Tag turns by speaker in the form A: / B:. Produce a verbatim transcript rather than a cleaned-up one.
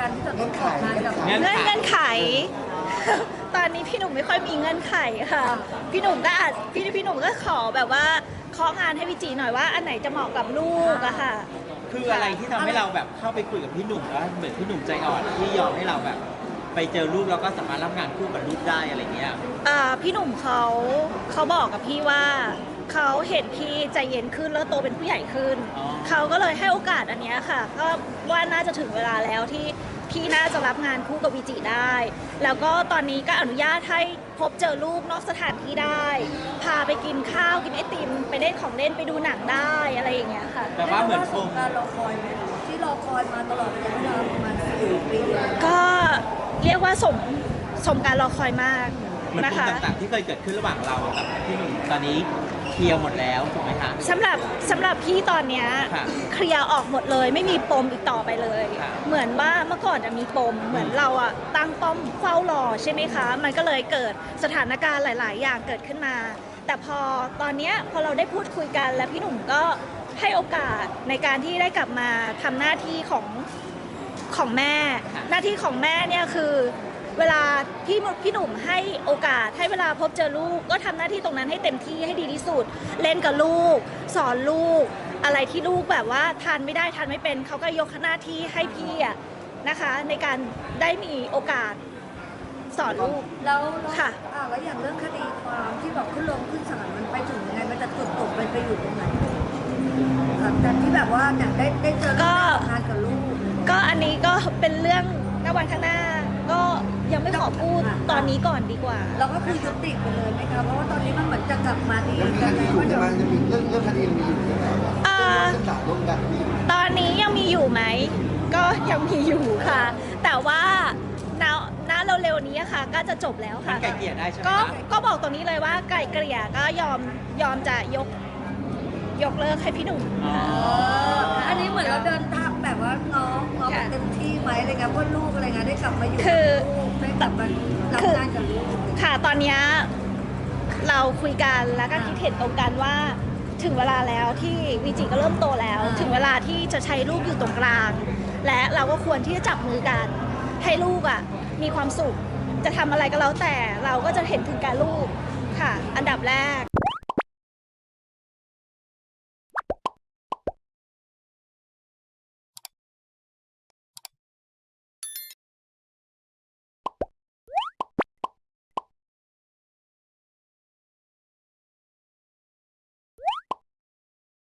A: การที่จะต้องขอทานกับ
B: เงื่อน
C: เงื่อน
B: ไข
C: เงื่อนไข ตอนนี้พี่หนุ่มไม่ค่อยมีเงื่อนไขค่ะ พี่หนุ่มก็อาจพี่พี่หนุ่มก็ขอแบบว่าเคาะงานให้พี่จีหน่อยว่าอันไหนจะเหมาะกับลูกอะค่ะ
B: คืออะไรที่ทำให้เราแบบเข้าไปคุยกับพี่หนุ่มแล้วเหมือนพี่หนุ่มใจอ่อนที่ยอมให้เราแบบ ไปเจอลูกแล้วก็สามารถรับงานคู่กับลูกได้อะไรเงี้ย
C: อ่าพี่หนุ่มเขาเขาบอกกับพี่ว่าเขาเห็นพี่ใจเย็นขึ้นแล้วโตเป็นผู้ใหญ่ขึ้น
B: อ๋อ
C: เขาก็เลยให้โอกาสอันเนี้ยค่ะ ก็ว่าน่าจะถึงเวลาแล้วที่พี่น่าจะรับงานคู่กับวีจิได้ แล้วก็ตอนนี้ก็อนุญาตให้พบเจอลูกนอกสถานที่ได้ พาไปกินข้าวกินไอติมไปเล่นของเล่นไปดูหนังได้อะไรอย่างเงี้ยค่ะ
B: แต่ว่าเหมือนค
A: ส
B: ง
A: งการรอคอยไหมที่รอคอยมาตลอดระยะเวลาประมาณสี่ปี
C: ก็เรียกว่าสมสมการรอคอยมาก
B: มัน
C: นะ
B: ปม
C: คะ
B: ต่างๆที่เคยเกิดขึ้นระหว่างเรากับพี่หนุ่มตอนนี้เคลียร์หมดแล้วถูกไหมคะ
C: สำหรับสำหรับพี่ตอนเนี้ย
B: ค่ะ
C: เคลียร์ออกหมดเลยไม่มีปมอีกต่อไปเลย
B: ค่ะ
C: เหมือนว่าเมื่อก่อนจะมีปมเหมือนเราอะตั้งป้อมเฝ้ารอใช่ไหมคะ มันก็เลยเกิดสถานการณ์หลาย ๆ อย่างเกิดขึ้นมา แต่พอตอนเนี้ยพอเราได้พูดคุยกันและพี่หนุ่มก็ให้โอกาสในการที่ได้กลับมาทำหน้าที่ของของแม่ หน้าที่ของแม่เนี่ยคือเวลาพี่พี่หนุ่มให้โอกาสให้เวลาพบเจอลูกก็ทำหน้าที่ตรงนั้นให้เต็มที่ให้ดีที่สุด เล่นกับลูก สอนลูก อะไรที่ลูกแบบว่าทานไม่ได้ทานไม่เป็นเขาก็ยกหน้าที่ให้พี่อะนะคะ ในการได้มีโอกาสสอนลูก
A: แล้วแล้ว
C: ค่ะ
A: อ่าแล้วอย่างเรื่องคดีความที่แบบขึ้นลงขึ้นศาลมันไปถึงยังไงมันจะจุดจบมันไปอยู่ตรงไหนหลังจากที่แบบว่าเนี่ยได้ได้เจอ
C: ก็
A: ทำงานกับลูก
C: ก็อันนี้ก็เป็นเรื่องในวันข้างหน้า ก็ยังไม่ขอพูดตอนนี้ก่อนดีกว่า
A: เราก็คือยุติไปเลยไหมคะเพราะว่าตอนนี้มันเหมือนจะกลับมาดี
D: ยังมีคดีอยู่ใช่ไหมยังมีเรื่องเรื่องคดียังมีอยู่ใช่ไหม
C: อ่า
D: เรื่องศาลร่วมกันมีอยู่
C: ตอนนี้ยังมีอยู่ไหม ก็ยังมีอยู่ค่ะ แต่ว่าณณเร็วๆนี้ค่ะ ก็จะจบแล้ว
B: มัน
C: ค่ะ
B: ไกลเกลี่ยได้ใช่ไหม
C: ก็
B: คะ
C: ก็บอกตรงนี้เลยว่าไก่เกลี่ยก็ยอมยอมจะยกยกเลิกให้พี่หนุ่ม
B: อ๋อ
A: อันนี้เหมือนเราเดินทางแบบว่าน้องน้อง
C: ค่ะ
A: เต็มที่ไหมอะไรเงี้ยเพื่อลูกอะไรเงี้ยได้กลับมาอยู่
C: คือ
A: กับลูกได้กลับมารับงานกับลูก
C: ค่ะตอนเนี้ยเราคุยกันแล้วก็คิดเห็นตรงกันว่าถึงเวลาแล้วที่วีจิก็เริ่มโตแล้ว ถึงเวลาที่จะใช้ลูกอยู่ตรงกลาง และเราก็ควรที่จะจับมือกัน ให้ลูกอ่ะมีความสุขจะทำอะไรก็แล้วแต่เราก็จะเห็นถึงการลูกค่ะ อันดับแรก